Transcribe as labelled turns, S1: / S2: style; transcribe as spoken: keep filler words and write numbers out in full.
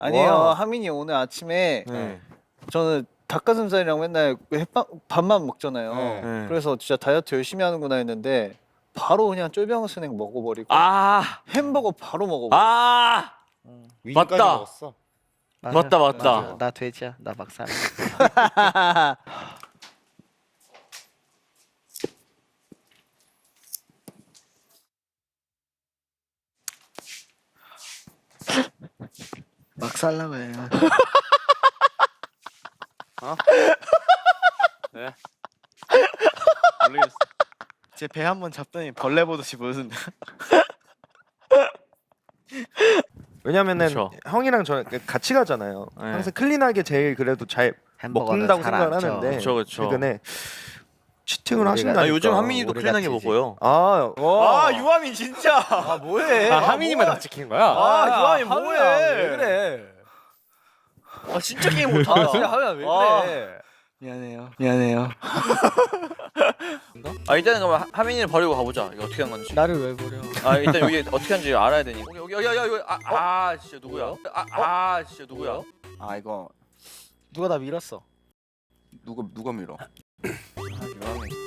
S1: 아니에요.
S2: 와.
S1: 하민이 오늘 아침에
S2: 네.
S1: 저는 닭가슴살이랑 맨날 햇밥 밥만 먹잖아요.
S2: 네.
S1: 그래서 진짜 다이어트 열심히 하는구나 했는데 바로 그냥 쫄병 스낵 먹어버리고
S3: 아,
S1: 햄버거 바로 먹어버리고.
S3: 아,
S2: 위까지
S3: 맞다.
S2: 먹었어.
S3: 맞다, 맞다.
S4: 맞아. 나 돼지야. 나 막살. 막 살라고 해요.
S3: 네. 모르겠어.
S4: 제 배 한 번 잡더니 벌레 보듯이 보여준다.
S2: 왜냐면은
S3: 그쵸.
S2: 형이랑 저 같이 가잖아요.
S3: 네.
S2: 항상 클린하게 제일 그래도 잘
S4: 햄버거는
S2: 먹는다고
S4: 살 안
S2: 생각을
S4: 쪄.
S2: 하는데
S3: 그쵸, 그쵸.
S2: 최근에 치팅을
S4: 우리가-
S2: 하신다니까.
S3: 아, 요즘 하민이도
S4: 우리
S3: 클린하게
S4: 같이.
S3: 먹어요.
S2: 아,
S3: 아, 유하민 진짜.
S1: 아 뭐해?
S5: 아, 하민이만 다 찍히는 거야?
S3: 아, 유하민 뭐해?
S1: 왜 그래?
S3: 아, 진짜 게임 못하.
S1: 하면 왜
S3: 아.
S1: 그래?
S4: 미안해요. 미안해요.
S3: 아, 일단은 그럼 하- 하민이를 버리고 가보자. 이거 어떻게 한 건지.
S4: 나를 왜 버려?
S3: 아, 일단 여기 어떻게 하는지 알아야 되니. 여기 여기 여기 여기 아, 아, 진짜 누구야? 아, 아, 진짜 누구야?
S4: 아 이거 누가 나 밀었어.
S6: 누가 누가 밀어?
S3: 유하민.